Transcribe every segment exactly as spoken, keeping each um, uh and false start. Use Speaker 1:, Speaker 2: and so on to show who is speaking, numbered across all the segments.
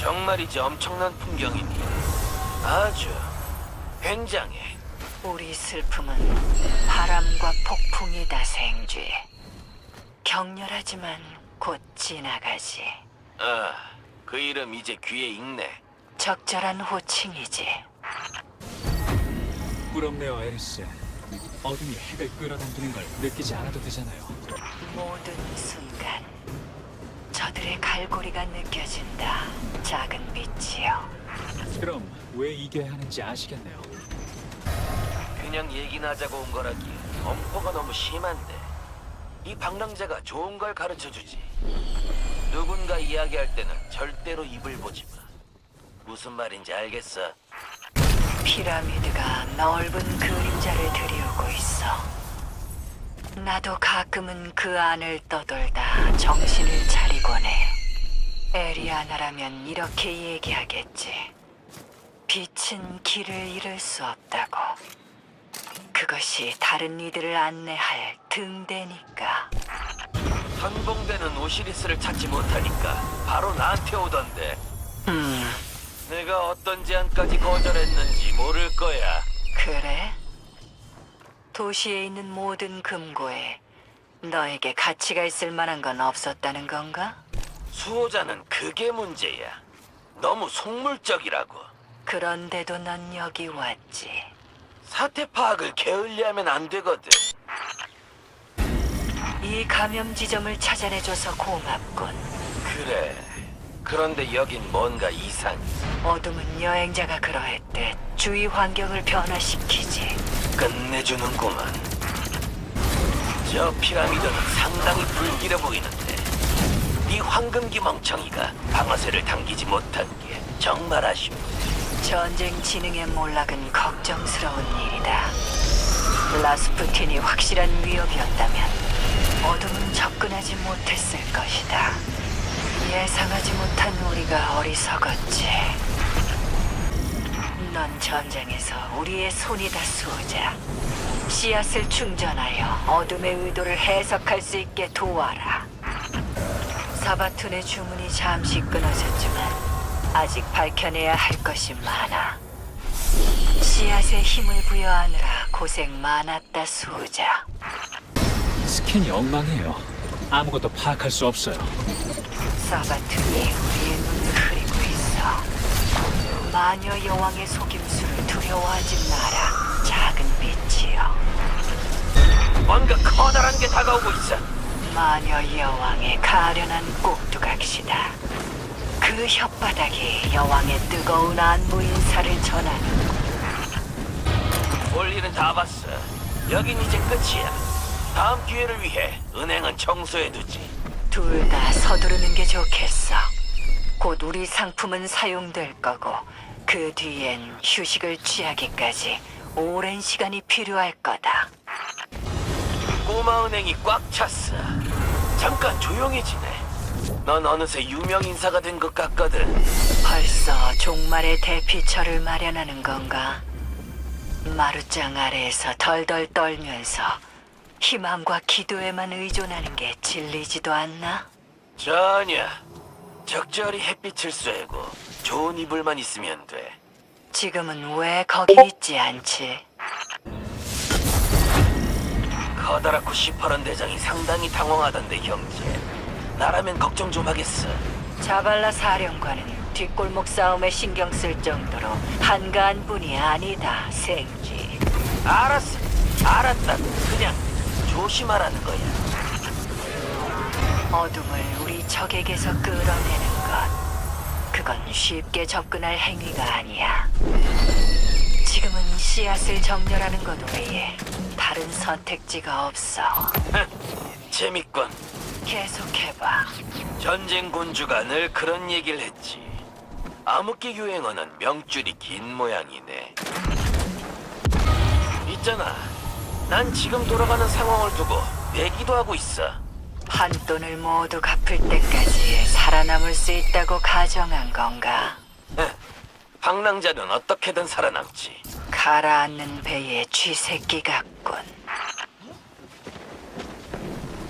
Speaker 1: 정말이지 엄청난 풍경이니 아주 굉장해.
Speaker 2: 우리 슬픔은 바람과 폭풍이다, 생쥐. 격렬하지만 곧 지나가지.
Speaker 1: 아, 그 이름 이제 귀에 익네.
Speaker 2: 적절한 호칭이지.
Speaker 3: 부럽네요, 에리스. 어둠이 핵을 끌어당기는 걸 느끼지 않아도 되잖아요.
Speaker 2: 모든 순간 저들의 갈고리가 느껴진다, 작은 빛이여.
Speaker 3: 그럼 왜 이겨야 하는지 아시겠네요.
Speaker 1: 그냥 얘기나 하자고 온 거라기 엄포가 너무 심한데. 이 방랑자가 좋은 걸 가르쳐주지. 누군가 이야기할 때는 절대로 입을 보지 마. 무슨 말인지 알겠어?
Speaker 2: 피라미드가 넓은 그림자를 들이우고 있어. 나도 가끔은 그 안을 떠돌다 정신을 차리곤 해. 에리아나라면 이렇게 얘기하겠지. 빛은 길을 잃을 수 없다고. 그것이 다른 이들을 안내할 등대니까.
Speaker 1: 선봉대는 오시리스를 찾지 못하니까 바로 나한테 오던데.
Speaker 2: 음,
Speaker 1: 내가 어떤 제안까지 거절했는지 모를 거야.
Speaker 2: 그래? 도시에 있는 모든 금고에 너에게 가치가 있을 만한 건 없었다는 건가?
Speaker 1: 수호자는 그게 문제야. 너무 속물적이라고.
Speaker 2: 그런데도 넌 여기 왔지.
Speaker 1: 사태 파악을 게을리하면 안 되거든.
Speaker 2: 이 감염 지점을 찾아내줘서 고맙군.
Speaker 1: 그래. 그런데 여긴 뭔가 이상해.
Speaker 2: 어둠은 여행자가 그러했듯 주위 환경을 변화시키지.
Speaker 1: 끝내주는구만. 저 피라미드는 상당히 불길해 보이는데 네 황금기 멍청이가 방아쇠를 당기지 못한 게 정말 아쉽네.
Speaker 2: 전쟁 진흥의 몰락은 걱정스러운 일이다. 라스푸틴이 확실한 위협이었다면 어둠은 접근하지 못했을 것이다. 예상하지 못한 우리가 어리석었지. 넌 전장에서 우리의 손이다, 수호자. 씨앗을 충전하여 어둠의 의도를 해석할 수 있게 도와라. 사바툰의 주문이 잠시 끊어졌지만 아직 밝혀내야 할 것이 많아. 씨앗에 힘을 부여하느라 고생 많았다, 수호자.
Speaker 3: 스캔이 엉망이에요. 아무것도 파악할 수 없어요.
Speaker 2: 사바툰이 우리의 눈을 흐리고 있어. 마녀 여왕의 속임수를 두려워하지 마라, 작은 빛이여.
Speaker 1: 뭔가 커다란 게 다가오고 있어.
Speaker 2: 마녀 여왕의 가련한 꼭두각시다. 그 혓바닥이 여왕의 뜨거운 안부 인사를 전하는.
Speaker 1: 볼 일은 다 봤어. 여긴 이제 끝이야. 다음 기회를 위해 은행은 청소해두지.
Speaker 2: 둘 다 서두르는 게 좋겠어. 곧 우리 상품은 사용될 거고 그 뒤엔 휴식을 취하기까지 오랜 시간이 필요할 거다.
Speaker 1: 꼬마 은행이 꽉 찼어. 잠깐 조용히 지내. 넌 어느새 유명 인사가 된 것 같거든.
Speaker 2: 벌써 종말의 대피처를 마련하는 건가? 마루짱 아래에서 덜덜 떨면서 희망과 기도에만 의존하는 게 질리지도 않나?
Speaker 1: 전혀. 적절히 햇빛을 쐬고 좋은 이불만 있으면 돼.
Speaker 2: 지금은 왜 거기 있지 않지?
Speaker 1: 커다랗고 시퍼런 대장이 상당히 당황하던데 형제. 나라면 걱정 좀 하겠어.
Speaker 2: 자발라 사령관은 뒷골목 싸움에 신경 쓸 정도로 한가한 분이 아니다, 생쥐.
Speaker 1: 알았어. 알았다. 그냥 조심하라는 거야.
Speaker 2: 어둠을 우리 적에게서 끌어내는 것, 그건 쉽게 접근할 행위가 아니야. 지금은 씨앗을 정렬하는 것 외에 다른 선택지가 없어.
Speaker 1: 재밌군.
Speaker 2: 계속해봐.
Speaker 1: 전쟁 군주가 늘 그런 얘기를 했지. 암흑기 유행어는 명줄이 긴 모양이네. 있잖아. 난 지금 돌아가는 상황을 두고 내기도 하고 있어.
Speaker 2: 한돈을 모두 갚을 때까지 살아남을 수 있다고 가정한 건가?
Speaker 1: 방랑자는 어떻게든 살아남지.
Speaker 2: 가라앉는 배의 쥐새끼 같군.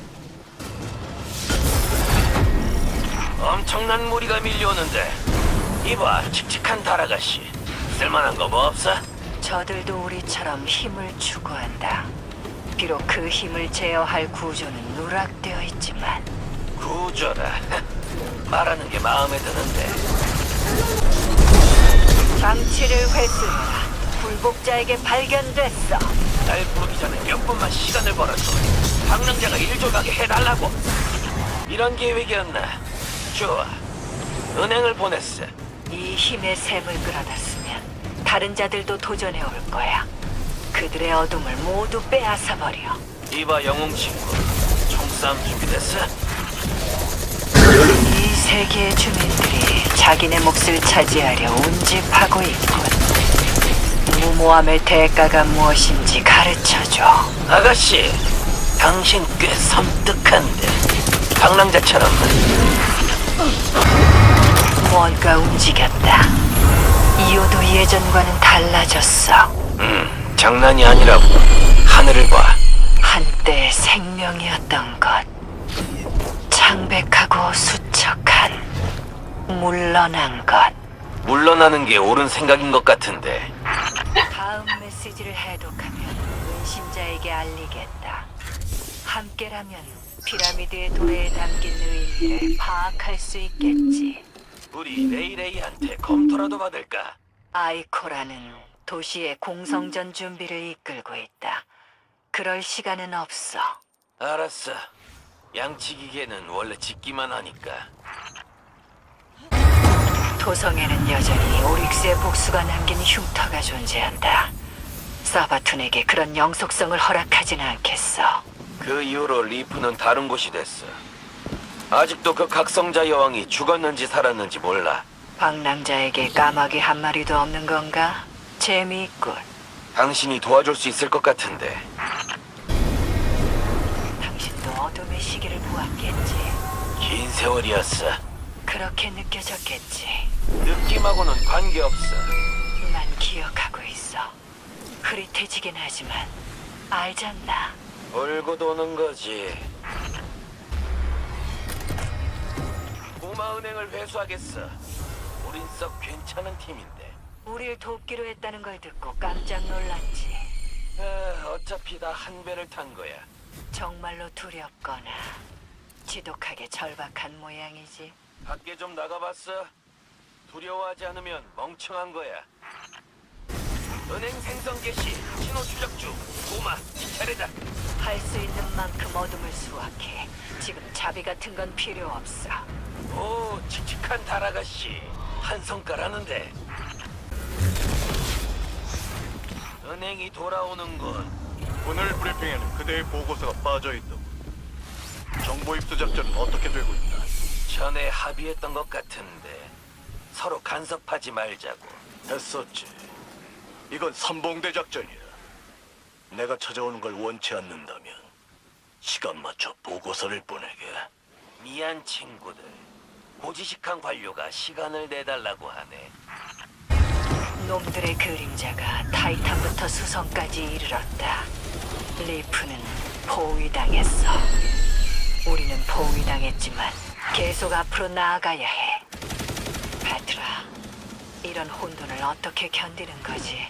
Speaker 1: 엄청난 무리가 밀려오는데 이봐, 칙칙한 달아가씨. 쓸만한 거 뭐 없어?
Speaker 2: 저들도 우리처럼 힘을 추구한다. 비록 그 힘을 제어할 구조는 누락되어 있지만
Speaker 1: 구조라. 말하는 게 마음에 드는데.
Speaker 2: 장치를 회수해라. 굴복자에게 발견됐어.
Speaker 1: 날 부르기 전에 몇 분만 시간을 벌어서 방랑자가 일 조각에 해달라고. 이런 계획이었나? 좋아. 은행을 보냈어.
Speaker 2: 이 힘의 샘을 끌어놨으면 다른 자들도 도전해 올 거야. 그들의 어둠을 모두 빼앗아 버려.
Speaker 1: 이봐, 영웅 친구. 총싸움 준비됐어?
Speaker 2: 이 세계의 주민들이 자기네 몫을 차지하려 운집하고 있군. 무모함의 대가가 무엇인지 가르쳐줘.
Speaker 1: 아가씨, 당신 꽤 섬뜩한데. 방랑자처럼.
Speaker 2: 뭔가 움직였다. 이호도 예전과는 달라졌어.
Speaker 1: 음, 장난이 아니라고. 하늘을 봐.
Speaker 2: 한때 생명이었던 것. 창백하고 수척한. 물러난 것.
Speaker 1: 물러나는 게 옳은 생각인 것 같은데.
Speaker 2: 다음 메시지를 해독하면 은신자에게 알리겠다. 함께라면 피라미드의 도래에 담긴 의미를 파악할 수 있겠지.
Speaker 1: 우리 레이레이한테 검토라도 받을까?
Speaker 2: 아이코라는 도시의 공성전 준비를 이끌고 있다. 그럴 시간은 없어.
Speaker 1: 알았어. 양치기계는 원래 짓기만 하니까.
Speaker 2: 도성에는 여전히 오릭스의 복수가 남긴 흉터가 존재한다. 사바툰에게 그런 영속성을 허락하지는 않겠어.
Speaker 1: 그 이후로 리프는 다른 곳이 됐어. 아직도 그 각성자 여왕이 죽었는지 살았는지 몰라.
Speaker 2: 방랑자에게 까마귀 한 마리도 없는 건가? 재미있군.
Speaker 1: 당신이 도와줄 수 있을 것 같은데.
Speaker 2: 당신도 어둠의 시기를 보았겠지.
Speaker 1: 긴 세월이었어.
Speaker 2: 그렇게 느껴졌겠지.
Speaker 1: 느낌하고는 관계없어.
Speaker 2: 난 기억하고 있어. 흐릿해지긴 하지만 알잖나.
Speaker 1: 울고 도는 거지. 꼬마은행을 회수하겠어. 우린 썩 괜찮은 팀인데.
Speaker 2: 우릴 돕기로 했다는 걸 듣고 깜짝 놀랐지.
Speaker 1: 아, 어차피 다 한 배를 탄 거야.
Speaker 2: 정말로 두렵거나 지독하게 절박한 모양이지.
Speaker 1: 밖에 좀 나가봤어? 두려워하지 않으면 멍청한 거야. 은행 생성 개시, 신호 추적 중. 꼬마, 이 차례다.
Speaker 2: 할 수 있는 만큼 어둠을 수확해. 지금 자비 같은 건 필요 없어.
Speaker 1: 오, 칙칙한 달아가씨. 한 성깔하는데. 은행이 돌아오는군.
Speaker 4: 오늘 브리핑에는 그대의 보고서가 빠져있다고. 정보 입수 작전은 어떻게 되고 있나?
Speaker 1: 전에 합의했던 것 같은데 서로 간섭하지 말자고.
Speaker 4: 했었지. 이건 선봉대 작전이야. 내가 찾아오는 걸 원치 않는다면 시간 맞춰 보고서를 보내게.
Speaker 1: 미안 친구들. 고지식한 관료가 시간을 내달라고 하네.
Speaker 2: 놈들의 그림자가 타이탄부터 수성까지 이르렀다. 리프는 포위당했어. 우리는 포위당했지만 계속 앞으로 나아가야 해. 베트라, 이런 혼돈을 어떻게 견디는 거지?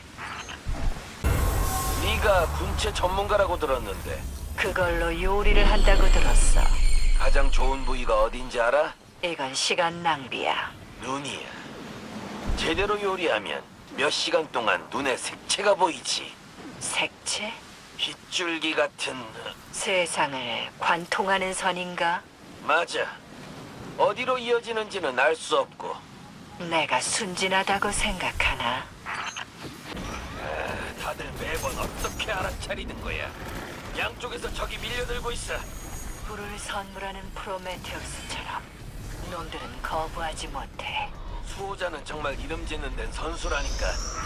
Speaker 1: 네가 군체 전문가라고 들었는데
Speaker 2: 그걸로 요리를 한다고 들었어.
Speaker 1: 가장 좋은 부위가 어딘지 알아?
Speaker 2: 이건 시간 낭비야.
Speaker 1: 눈이야. 제대로 요리하면 몇 시간 동안 눈에 색채가 보이지.
Speaker 2: 색채?
Speaker 1: 빗줄기 같은...
Speaker 2: 세상을 관통하는 선인가?
Speaker 1: 맞아. 어디로 이어지는지는 알 수 없고.
Speaker 2: 내가 순진하다고 생각하나?
Speaker 1: 아, 다들 매번 어떻게 알아차리는 거야. 양쪽에서 적이 밀려들고 있어.
Speaker 2: 불을 선물하는 프로메테우스처럼 놈들은 거부하지 못해.
Speaker 1: 수호자는 정말 이름 짓는 데는 선수라니까.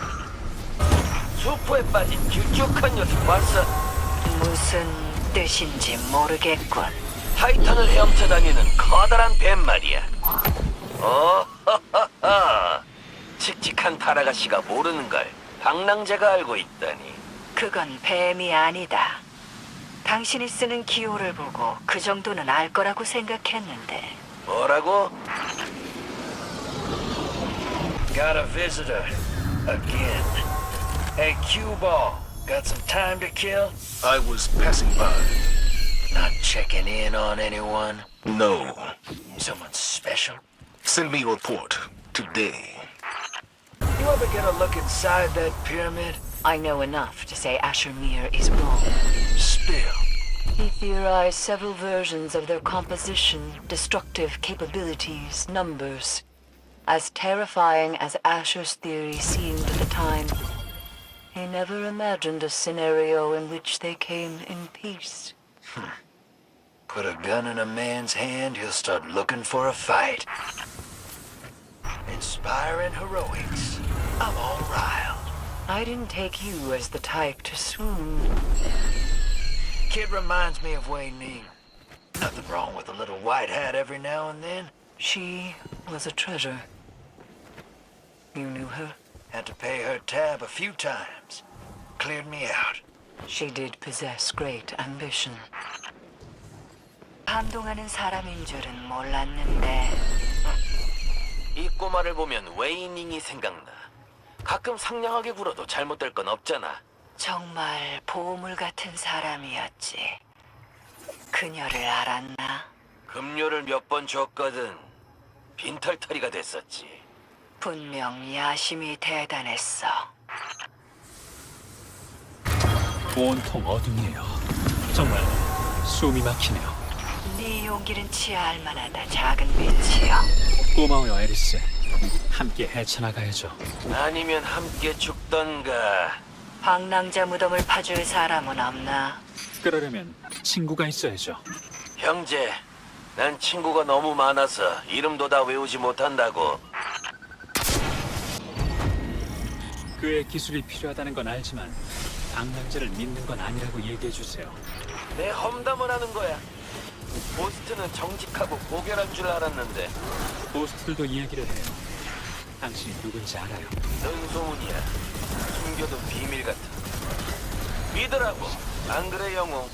Speaker 1: 수포에 빠진 길쭉한 녀석 봤어?
Speaker 2: 무슨 뜻인지 모르겠군.
Speaker 1: 타이탄을 헤엄쳐 다니는 커다란 뱀 말이야. 어, 허허허. 칙칙한 타라가씨가 모르는 걸 방랑자가 알고 있다니.
Speaker 2: 그건 뱀이 아니다. 당신이 쓰는 기호를 보고 그 정도는 알 거라고 생각했는데.
Speaker 1: 뭐라고? Got a visitor. Again. Hey, cue ball. Got some time to kill?
Speaker 5: I was passing by.
Speaker 1: Not checking in on anyone?
Speaker 5: No.
Speaker 1: Someone special?
Speaker 5: Send me a report today.
Speaker 1: You ever get a look inside that pyramid?
Speaker 2: I know enough to say Asher Mir is wrong.
Speaker 1: Spill.
Speaker 2: He theorized several versions of their composition, destructive capabilities, numbers. As terrifying as Asher's theory seemed at the time, he never imagined a scenario in which they came in peace.
Speaker 1: Put a gun in a man's hand, he'll start looking for a fight. Inspiring heroics. I'm all riled.
Speaker 2: I didn't take you as the type to swoon.
Speaker 1: Kid reminds me of Wei Ning. Nothing wrong with a little white hat every now and then.
Speaker 2: She was a treasure. You knew her?
Speaker 1: Had to pay her tab a few times. Cleared me out.
Speaker 2: She did possess great ambition. 감동하는 사람인 줄은 몰랐는데.
Speaker 1: 이 꼬마를 보면 웨이닝이 생각나. 가끔 상냥하게 굴어도 잘못될 건 없잖아.
Speaker 2: 정말 보물 같은 사람이었지. 그녀를 알았나?
Speaker 1: 급료를 몇 번 줬거든. 빈털터리가 됐었지.
Speaker 2: 분명 야심이 대단했어.
Speaker 3: 온통 어둠이에요. 정말 숨이 막히네요.
Speaker 2: 네 용기는 치아할 만하다, 작은 빛이여.
Speaker 3: 고마워요, 에리스. 함께 헤쳐나가야죠.
Speaker 1: 아니면 함께 죽던가.
Speaker 2: 방랑자 무덤을 파줄 사람은 없나?
Speaker 3: 그러려면 친구가 있어야죠.
Speaker 1: 형제, 난 친구가 너무 많아서 이름도 다 외우지 못한다고.
Speaker 3: 그의 기술이 필요하다는 건 알지만 방랑자를 믿는 건 아니라고 얘기해 주세요.
Speaker 1: 내 험담을 하는 거야. 보스트는 정직하고 고결한 줄 알았는데
Speaker 3: 보스들도 얘기를 해요. 당신이 누군지 알아요.
Speaker 1: 넌 소문이야. 숨겨둔 비밀 같은. 믿으라고. 안 그래, 영웅?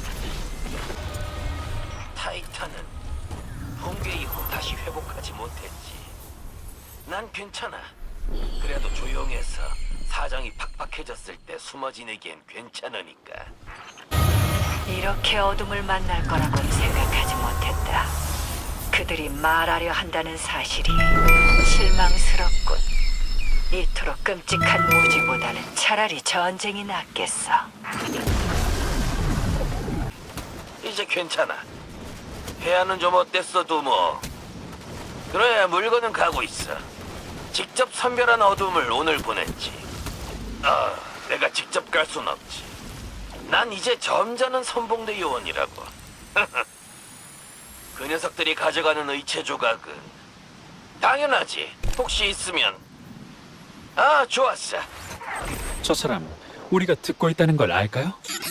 Speaker 1: 타이탄은 붕괴 이후 다시 회복하지 못했지. 난 괜찮아. 그래도 조용해서 사정이 팍팍해졌을 때 숨어 지내기엔 괜찮으니까.
Speaker 2: 이렇게 어둠을 만날 거라고는 생각하지 못했다. 그들이 말하려 한다는 사실이 실망스럽군. 이토록 끔찍한 무지보다는 차라리 전쟁이 낫겠어.
Speaker 1: 이제 괜찮아. 해안은 좀 어땠어도 뭐. 그래, 물건은 가고 있어. 직접 선별한 어둠을 오늘 보냈지. 아, 내가 직접 갈 순 없지. 난 이제 점잖은 선봉대 요원이라고. 그 녀석들이 가져가는 의체 조각은 당연하지. 혹시 있으면. 아, 좋았어.
Speaker 3: 저 사람 우리가 듣고 있다는 걸 알까요?